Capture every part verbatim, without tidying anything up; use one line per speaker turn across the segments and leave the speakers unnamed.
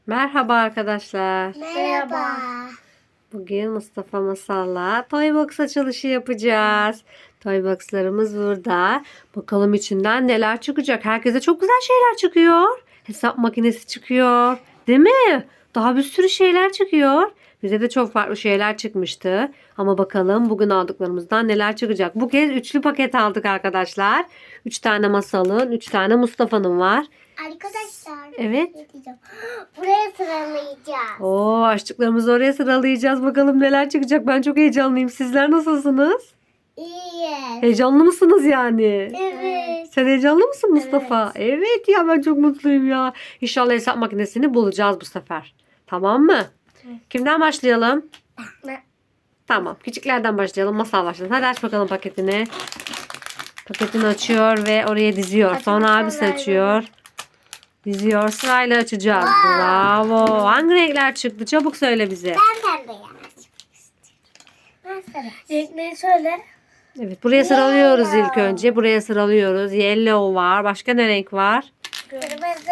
Merhaba arkadaşlar.
Merhaba.
Bugün Mustafa Masal'la Toybox açılışı yapacağız. Toybox'larımız burada. Bakalım içinden neler çıkacak. Herkese çok güzel şeyler çıkıyor. Hesap makinesi çıkıyor. Değil mi? Daha bir sürü şeyler çıkıyor. Bize de çok farklı şeyler çıkmıştı. Ama bakalım bugün aldıklarımızdan neler çıkacak. Bu kez üçlü paket aldık arkadaşlar. Üç tane Masal'ın, üç tane Mustafa'nın var.
Arkadaşlar.
Evet.
ne diyeceğim? Buraya sıralayacağız.
Oo, açtıklarımızı oraya sıralayacağız. Bakalım neler çıkacak. Ben çok heyecanlıyım. Sizler nasılsınız?
İyi.
Heyecanlı mısınız yani?
Evet.
Sen heyecanlı mısın Mustafa? Evet, ya ben çok mutluyum ya. İnşallah hesap makinesini bulacağız bu sefer. Tamam mı? Kimden başlayalım?
Ben.
Tamam. Küçüklerden başlayalım. Masal başlasın. Hadi aç bakalım paketini. Paketini açıyor ve oraya diziyor.
Açmak
Sonra abisi
kolay
açıyor. Diziyor. Sırayla açacağız. Bravo. Hangi renkler çıktı? Çabuk söyle bize.
Ben pembeyi açmak istiyorum. Ben sarı. Renkleri söyle.
Evet, buraya sıralıyoruz ilk önce. Buraya sıralıyoruz. Yellow var. Başka ne renk var?
Kırmızı.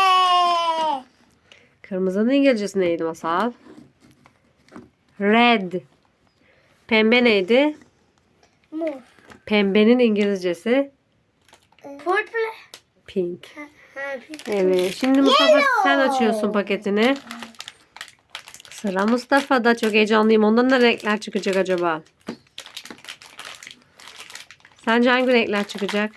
Kırmızının İngilizcesi neydi Masal? Red. Pembe neydi?
Mor.
Pembenin İngilizcesi
Purple.
pink.
Ha, pink.
Evet. Şimdi Mustafa sen açıyorsun paketini. Sıra Mustafa'da. Çok heyecanlıyım. Ondan ne renkler çıkacak acaba? Sence hangi renkler çıkacak?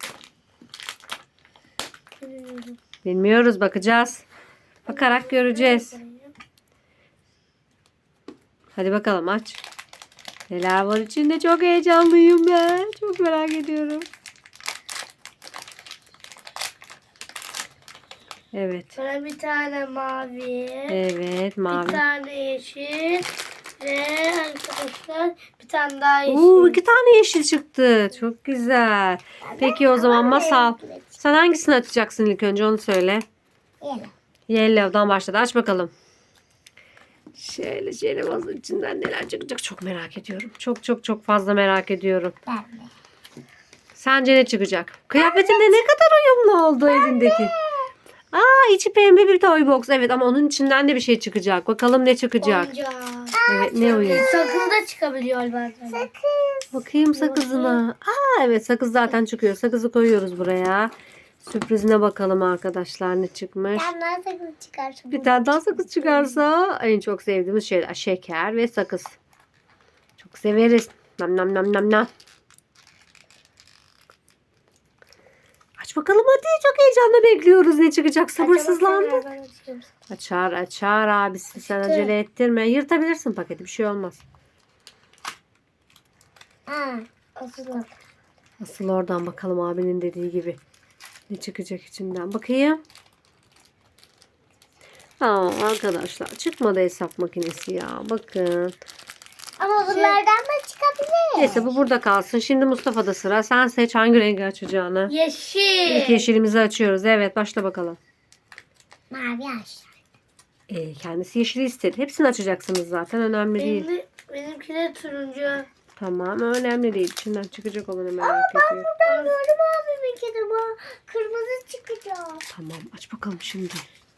Bilmiyoruz. Bakacağız. Bakarak göreceğiz. Hadi bakalım aç. Neler var içinde? Çok heyecanlıyım ben. Çok merak ediyorum. Evet.
Sonra bir tane mavi.
Evet, mavi.
Bir tane yeşil. Ve arkadaşlar bir tane daha yeşil.
Oo, iki tane yeşil çıktı. Çok güzel. Peki o zaman Masal. Sen hangisini açacaksın ilk önce onu söyle.
Yellow.
Yellow'dan başladı. Aç bakalım. Şöyle şöyle bazı içinden neler çıkacak çok merak ediyorum. Çok çok çok fazla merak ediyorum.
Pembe.
Sence ne çıkacak? Kıyafetinde ne kadar uyumlu oldu elindeki. Aa, içi pembe bir toy box. Evet, ama onun içinden de bir şey çıkacak. Bakalım ne çıkacak.
Oyuncak.
Evet, ne oyun?
Sakız da çıkabiliyor bazen. Sakız.
Bakayım sakızına. Aa, evet, sakız zaten çıkıyor. Sakızı koyuyoruz buraya. Sürprizine bakalım arkadaşlar ne çıkmış.
Ben daha sakız çıkarsın.
Bir tane daha sakız çıkarsa en çok sevdiğimiz şeyler şeker ve sakız. Çok severiz. Nam nam nam nam nam. Aç bakalım hadi. Çok heyecanla bekliyoruz ne çıkacak. Sabırsızlandık. Açar açar abisi. Sen
Açtı.
acele ettirme. Yırtabilirsin paketi. Bir şey olmaz.
Aa, asıl.
Asıl oradan bakalım abinin dediği gibi. Ne çıkacak içinden. Bakayım. Aa, arkadaşlar çıkmadı hesap makinesi ya. Bakın.
Ama bunlardan da çıkabilir.
Neyse bu burada kalsın. Şimdi Mustafa'da sıra. Sen seç hangi rengi açacağını.
Yeşil.
İlk yeşilimizi açıyoruz. Evet, başla bakalım.
Mavi aşağı.
Ee, kendisi yeşili istedi. Hepsini açacaksınız zaten. Önemli değil.
Benim, benimki de turuncu.
Tamam, önemli değil. İçinden çıkacak olanı merak ediyorum.
Ben gördüm abimin kedimi. Kırmızı çıkacak.
Tamam, aç bakalım şimdi.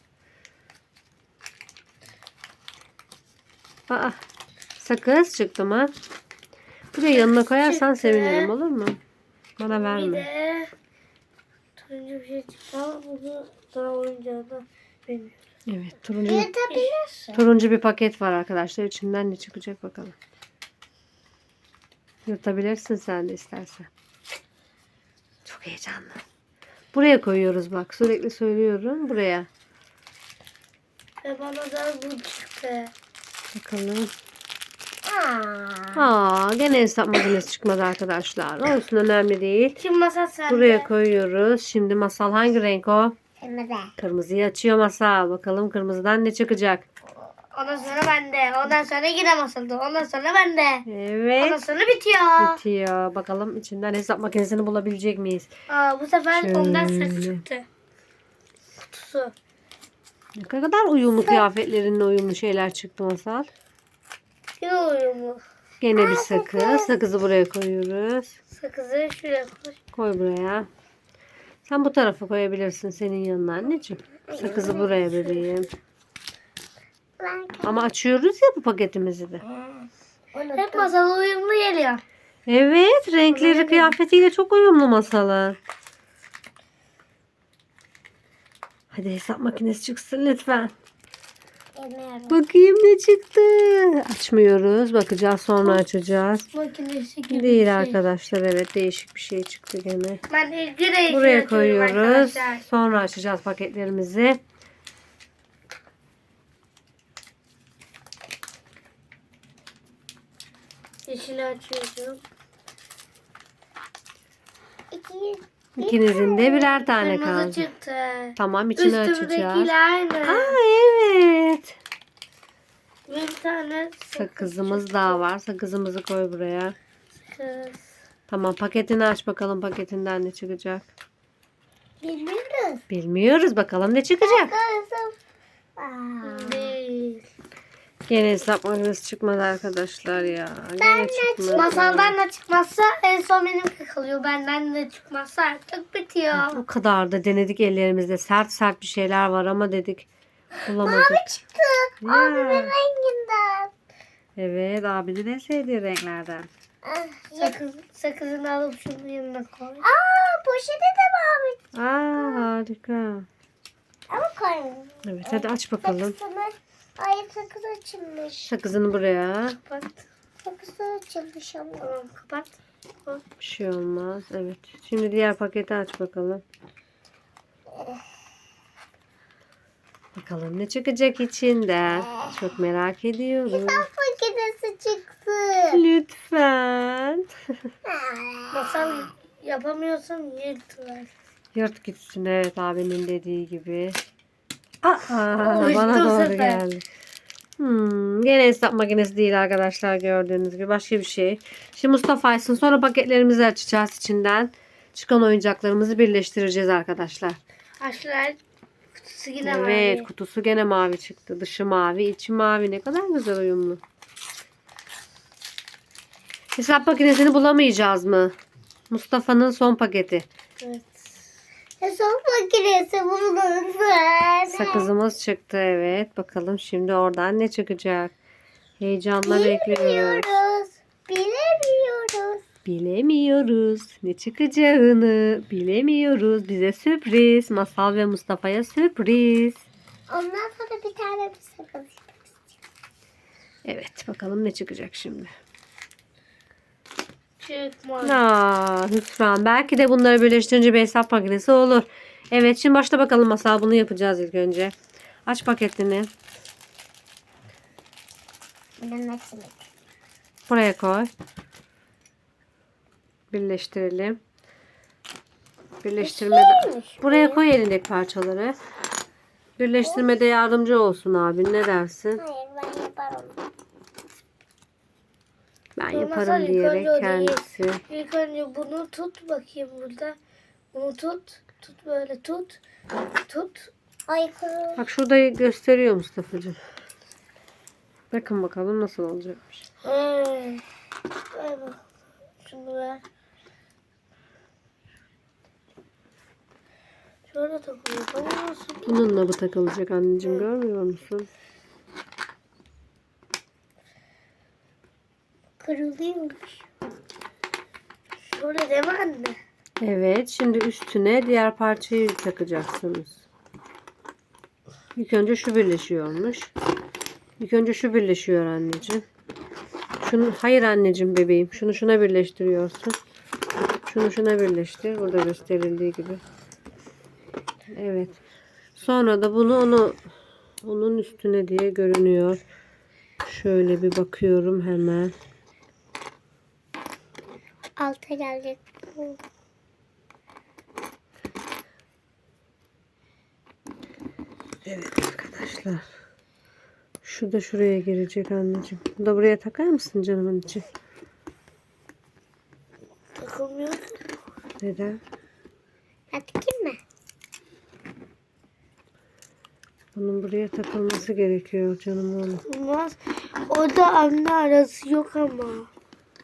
Aa, sakız çıktı mı? Buraya yanına koyarsan
çıktı.
sevinirim, olur mu? Bana
Bir
verme.
de turuncu bir şey çıktı ama bunu daha oyuncağı da bilmiyorum.
Evet, turuncu,
Yırtabilirsin.
turuncu bir paket var arkadaşlar. İçinden ne çıkacak bakalım. Yırtabilirsin sen de istersen. Çok heyecanlı. Buraya koyuyoruz bak. Sürekli söylüyorum. Buraya.
Ve bana da bu çıktı.
Bakalım.
Aa.
Aa, gene hesap makinesi çıkmadı arkadaşlar. Olsun, önemli değil.
Şimdi masa sende.
Buraya koyuyoruz. Şimdi Masal hangi renk o?
Kırmızı.
Kırmızıyı açıyor Masal. Bakalım kırmızıdan ne çıkacak?
Ondan sonra bende. Ondan sonra yine masalda. Ondan sonra bende. Ondan
Evet.
sonra bitiyor.
Bitiyor. Bakalım içinden hesap makinesini bulabilecek miyiz?
Aa, bu sefer
Şöyle.
ondan ses çıktı. Kutusu.
Ne kadar uyumlu kıyafetlerinle uyumlu şeyler çıktı Masal.
Yine uyumlu.
Gene bir sakız. Sakızı buraya koyuyoruz.
Sakızı şuraya koy.
Koy buraya. Sen bu tarafa koyabilirsin senin yanına anneciğim. Sakızı buraya bebeğim. Ama açıyoruz ya bu paketimizi de.
Hep masal uyumlu geliyor.
Evet, renkleri kıyafetiyle çok uyumlu masalın. Hadi hesap makinesi çıksın lütfen.
Bilmiyorum.
Bakayım ne çıktı. Açmıyoruz. Bakacağız sonra açacağız.
Makinesi gibi
Değil
bir şey.
arkadaşlar. Evet, değişik bir şey çıktı gene.
Ben ilgi reisi
Buraya
açıyorum
koyuyoruz.
arkadaşlar.
Sonra açacağız paketlerimizi.
Yeşili açıyorum.
İkinizin de birer tane
Kırmızı
kaldı.
çıktı.
Tamam, içini açacağız.
Üstümdekiyle aynı.
Aa, evet.
Bir tane
Sakızımız daha var. Sakızımızı koy buraya.
sakız.
Tamam, paketini aç bakalım, paketinden ne çıkacak.
Bilmiyoruz.
Bilmiyoruz, bakalım ne çıkacak.
Değil.
Gene hesap makinesi çıkmadı arkadaşlar ya. Gene çıkmadı.
Masaldan da çıkmazsa en son benimki kalıyor. Benden de çıkmazsa artık bitiyor.
O kadar da denedik ellerimizde. Sert sert bir şeyler var ama dedik bulamadık.
Mavi çıktı.
Ya.
Abimin renginden.
Evet, abinin en sevdiği renklerden.
Sakız, sakızını alıp şunun yanına koy. Aa, poşete de mavi.
Aa, harika.
Ama koymuyorum.
Evet, hadi aç bakalım.
Ay, sakız açılmış.
Sakızını buraya.
Kapat. Sakız açılmış ama. Tamam, kapat.
Bir şey olmaz. Evet. Şimdi diğer paketi aç bakalım. Bakalım ne çıkacak içinden. Çok merak ediyorum.
Makinesi çıktı.
Lütfen.
Masal yapamıyorsan yırtıver.
Yırt gitsin, evet, abinin dediği gibi. Aa,
Uyuştu
bana
bu
doğru
sefer.
geldi. Hmm, gene hesap makinesi değil arkadaşlar, gördüğünüz gibi. Başka bir şey. Şimdi Mustafa açsın. Sonra paketlerimizi açacağız içinden. Çıkan oyuncaklarımızı birleştireceğiz arkadaşlar.
Aşılar kutusu yine
Evet,
mavi.
kutusu gene mavi çıktı. Dışı mavi, içi mavi. Ne kadar güzel uyumlu. Hesap makinesini bulamayacağız mı? Mustafa'nın son paketi.
Evet. Hesap makinesi bulunsun.
Sakızımız çıktı, evet. Bakalım şimdi oradan ne çıkacak? Heyecanla bekliyoruz.
Bilemiyoruz. Bilemiyoruz.
Bilemiyoruz. Ne çıkacağını bilemiyoruz. Bize sürpriz. Masal ve Mustafa'ya sürpriz.
Ondan sonra bir tane bir sakız.
Evet, bakalım ne çıkacak şimdi.
Çıkmaz.
Aa, lütfen. Belki de bunları birleştirince bir hesap makinesi olur. Evet, şimdi başla bakalım Masal. Bunu yapacağız ilk önce. Aç paketini. Buraya koy. Birleştirelim. Birleştirmede. Buraya koy elindeki parçaları. Birleştirmede yardımcı olsun abin. Ne dersin?
Hayır, ben yaparım.
Ben
Masal
yaparım
ilk
diyerek
önce o
kendisi.
değil. İlk önce bunu tut bakayım burada. Bunu tut. Tut böyle tut. Tut. Ay kuru.
Bak şurada gösteriyor Mustafa'cığım. Bakın bakalım nasıl olacakmış.
Ay. Ay bak. Şunu ver. Şöyle takılıyor. Bana nasıl?
Bununla bu takılacak anneciğim, görmüyor musun?
Kırılıyormuş. Şöyle deme anne.
Evet, şimdi üstüne diğer parçayı takacaksınız. İlk önce şu birleşiyormuş. İlk önce şu birleşiyor anneciğim. Şunu, hayır anneciğim bebeğim. Şunu şuna birleştiriyorsun. Şunu şuna birleştir. Burada gösterildiği gibi. Evet. Sonra da bunu onu onun üstüne diye görünüyor. Şöyle bir bakıyorum hemen.
Alta gelecek.
Evet arkadaşlar. Şu da şuraya girecek anneciğim. Bu da buraya takar mısın canımın içi?
Takılmıyor.
Neden?
Takayım mı?
Bunun buraya takılması gerekiyor canım oğlum.
Olmaz. Orada anne arası yok ama.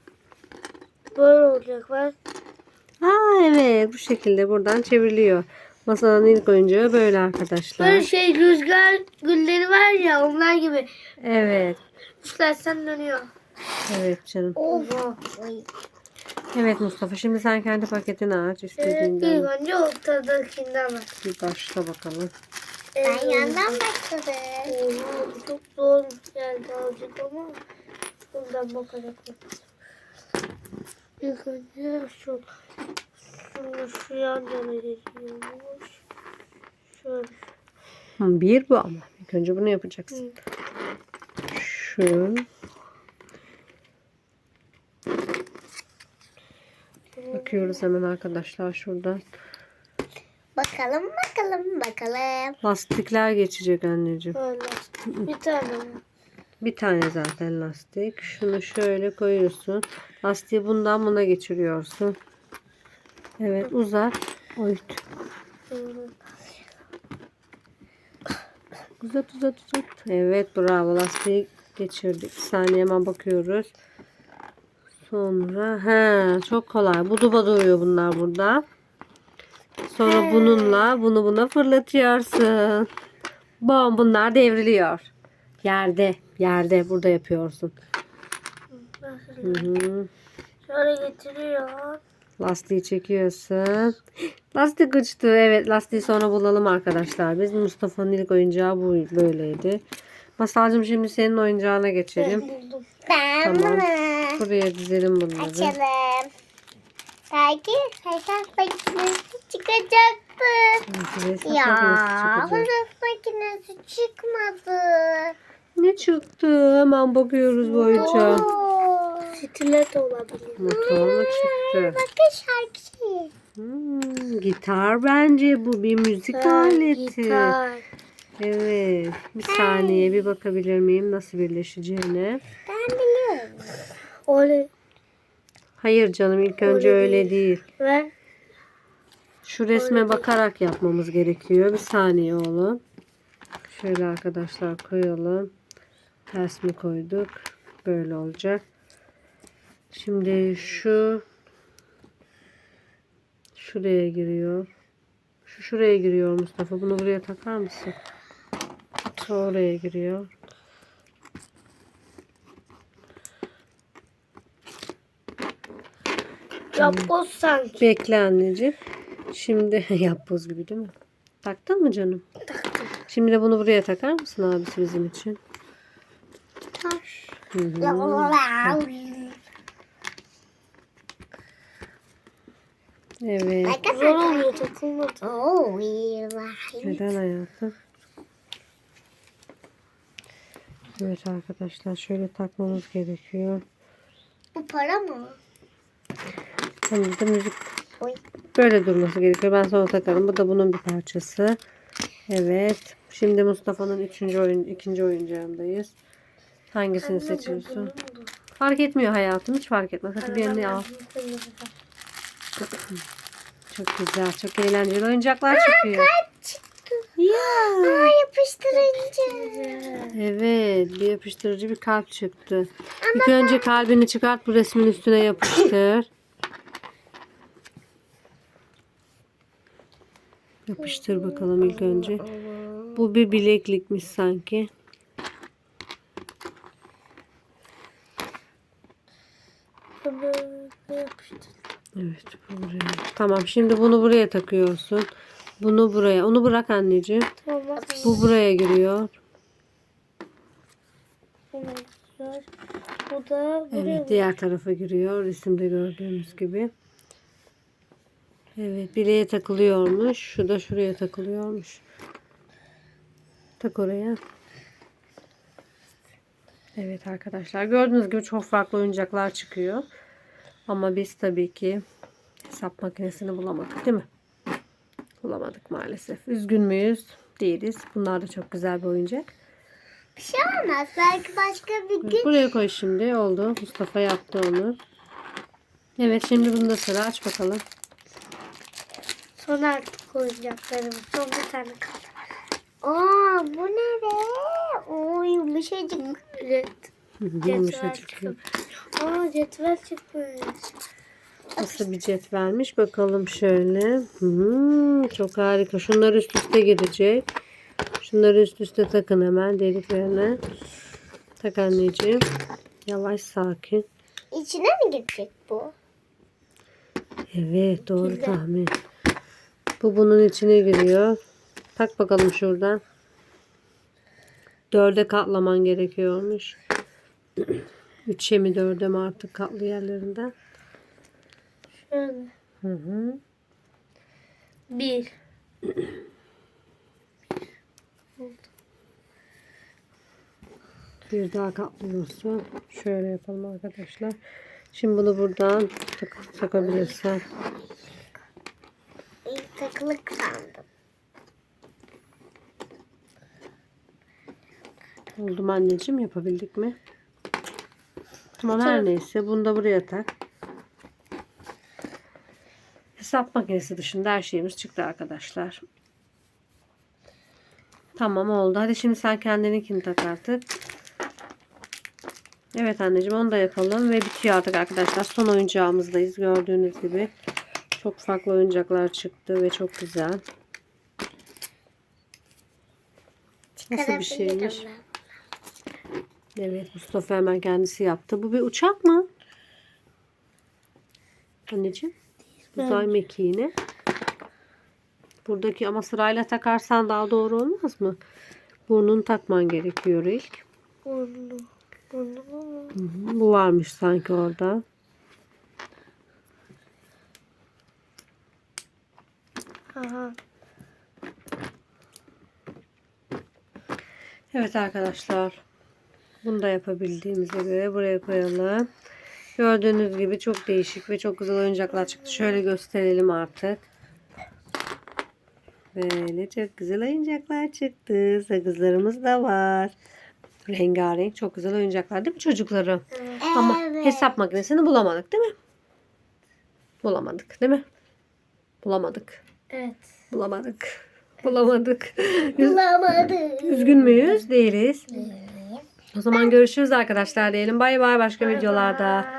Böyle olacak bak.
Aa evet, bu şekilde buradan çevriliyor. Masanın ilk oyuncağı böyle arkadaşlar.
Böyle şey rüzgar gülleri var ya onlar gibi.
Evet.
Üflersen dönüyor.
Evet canım.
Oha.
Evet Mustafa, şimdi sen kendi paketini aç
Evet,
istediğinden.
ilk önce ortadakinden bak.
Bir başla bakalım.
Ben yandan başladım. Oha bu çok zor geldi azıcık ama bundan bakarak bakalım. İlk önce şu şunu şu yan yana geçiyormuş. Şöyle.
Hı, bir bu ama. İlk önce bunu yapacaksın. Şu. Bakıyoruz hemen arkadaşlar şuradan.
Bakalım bakalım bakalım.
Lastikler geçecek anneciğim.
Böyle bir tane mi?
Bir tane zaten lastik. Şunu şöyle koyuyorsun. Lastiği bundan buna geçiriyorsun. Evet, uzat. Oyut. Uzat uzat uzat. Evet, bravo, lastiği geçirdik. Bir saniye hemen bakıyoruz. Sonra he çok kolay. Buduba duruyor bunlar burada. Sonra bununla bunu buna fırlatıyorsun. Bom, bunlar devriliyor. Yerde, yerde burada yapıyorsun. Hı hı.
Şöyle getiriyor.
Lastiği çekiyorsun. Lastik uçtu. Evet, lastiği sonra bulalım arkadaşlar. Biz Mustafa'nın ilk oyuncağı bu böyleydi. Masalcığım, şimdi senin oyuncağına geçelim.
Ben buldum. Ben
Tamam.
bunu
Buraya dizelim bunları.
açalım. Belki hesap makinesi çıkacaktı.
Hesap
Ya
makinesi çıkacak.
hesap makinesi çıkmadı.
Ne çıktı? Hemen bakıyoruz bu oyuncağa.
Stilet olabilir.
Motor mu çıktı?
Bakın şarkı.
Hmm, gitar bence bu. Bir müzik aleti.
Gitar.
Evet. Bir saniye bir bakabilir miyim nasıl birleşeceğine?
Ben biliyorum. Öyle.
Hayır canım, ilk önce
Öyle
öyle
değil.
değil.
Ve
Şu resme bakarak yapmamız gerekiyor. Bir saniye oğlum. Şöyle arkadaşlar koyalım. Ters mi koyduk? Böyle olacak. Şimdi şu şuraya giriyor. Şu şuraya giriyor Mustafa. Bunu buraya takar mısın? Şu oraya giriyor.
yapboz sanki.
Bekle anneciğim. Şimdi yapboz gibi değil mi? Taktın mı canım?
Taktım.
Şimdi de bunu buraya takar mısın abisi bizim için?
Taş.
Hı hı. Evet.
Zor oluyor takılmadı.
Neden hayatım? Evet arkadaşlar, şöyle takmamız gerekiyor.
Bu para mı?
Şimdi de müzik
Oy.
böyle durması gerekiyor. Ben sonra takarım. Bu da bunun bir parçası. Evet. Şimdi Mustafa'nın üçüncü oyun, ikinci oyuncağındayız. Hangisini seçiyorsun? Fark etmiyor hayatım. Hiç fark etmez. Hadi birini al. Çok güzel. Çok eğlenceli oyuncaklar çıkıyor.
Çıktı.
Ya.
Aa, yapıştırıcı.
Evet. Bir yapıştırıcı bir kalp çıktı. İlk önce kalbini çıkart. Bu resmin üstüne yapıştır. Yapıştır bakalım ilk önce. Bu bir bileklikmiş sanki.
Böyle yapıştır.
Evet, bu buraya. Tamam, şimdi bunu buraya takıyorsun. Bunu buraya. Onu bırak anneciğim.
Tamam.
Bu buraya giriyor.
Bu da buraya.
Evet, diğer tarafa giriyor. Resimde gördüğümüz gibi. Evet, bileğe takılıyormuş. Şu da şuraya takılıyormuş. Tak oraya. Evet arkadaşlar, gördüğünüz gibi çok farklı oyuncaklar çıkıyor. Ama biz tabii ki hesap makinesini bulamadık, değil mi? Bulamadık maalesef. Üzgün müyüz? Değiliz. Bunlar da çok güzel bir oyuncak.
Bir şey olmaz. Belki başka bir gün.
Buraya koy şimdi. Oldu. Mustafa yaptı onu. Evet, şimdi bunu da sıra, aç bakalım.
Son artık oyuncaklarım. Son bir tane kaldı. Aa, bu ne be? Oo, yumuşacık. Evet. Cetvel
Yumuşacık.
çıktı. Aa, cetvel çıkmış.
Nasıl bir cetvelmiş bakalım şöyle. Hmm, çok harika. Şunlar üst üste girecek. Şunları üst üste takın hemen deliklerine. Tak anneciğim. Yavaş sakin.
İçine mi girecek bu?
Evet doğru
Güzel.
tahmin. Bu bunun içine giriyor. Tak bakalım şuradan. Dörde katlaman gerekiyormuş. Üçe mi dörde mi artık katlı yerlerinden.
Şöyle.
Hı hı.
Bir.
Bir daha katlıyorsun. Şöyle yapalım arkadaşlar. Şimdi bunu buradan tak takabilirsen.
İlk takılı sandım.
Oldu mu anneciğim? Yapabildik mi? Tamam her neyse. Bunu da buraya tak. Hesap makinesi dışında her şeyimiz çıktı arkadaşlar. Tamam oldu. Hadi şimdi sen kendininkini tak artık. Evet anneciğim onu da yapalım ve bitiyor artık arkadaşlar. Son oyuncağımızdayız. Gördüğünüz gibi çok farklı oyuncaklar çıktı ve çok güzel. Nasıl bir şeymiş?
Çıkarabilirim
Evet Mustafa hemen kendisi yaptı. Bu bir uçak mı? Anneciğim. Uzay mekiğini. Buradaki ama sırayla takarsan daha doğru olmaz mı? Burnunu takman gerekiyor ilk.
ben. Burnu. Burnu mu?
Hı hı, bu varmış sanki orada.
Aha.
Evet arkadaşlar. Bunu da yapabildiğimize göre buraya koyalım. Gördüğünüz gibi çok değişik ve çok güzel oyuncaklar çıktı. Şöyle gösterelim artık. Böyle çok güzel oyuncaklar çıktı. Sakızlarımız da var. Rengarenk çok güzel oyuncaklar değil mi çocuklarım?
Evet.
Ama hesap makinesini bulamadık değil mi? Bulamadık değil mi? Bulamadık.
Evet.
Bulamadık. Bulamadık.
Bulamadım.
Üzgün müyüz? Değiliz. O zaman görüşürüz arkadaşlar diyelim. Bay bay başka videolarda.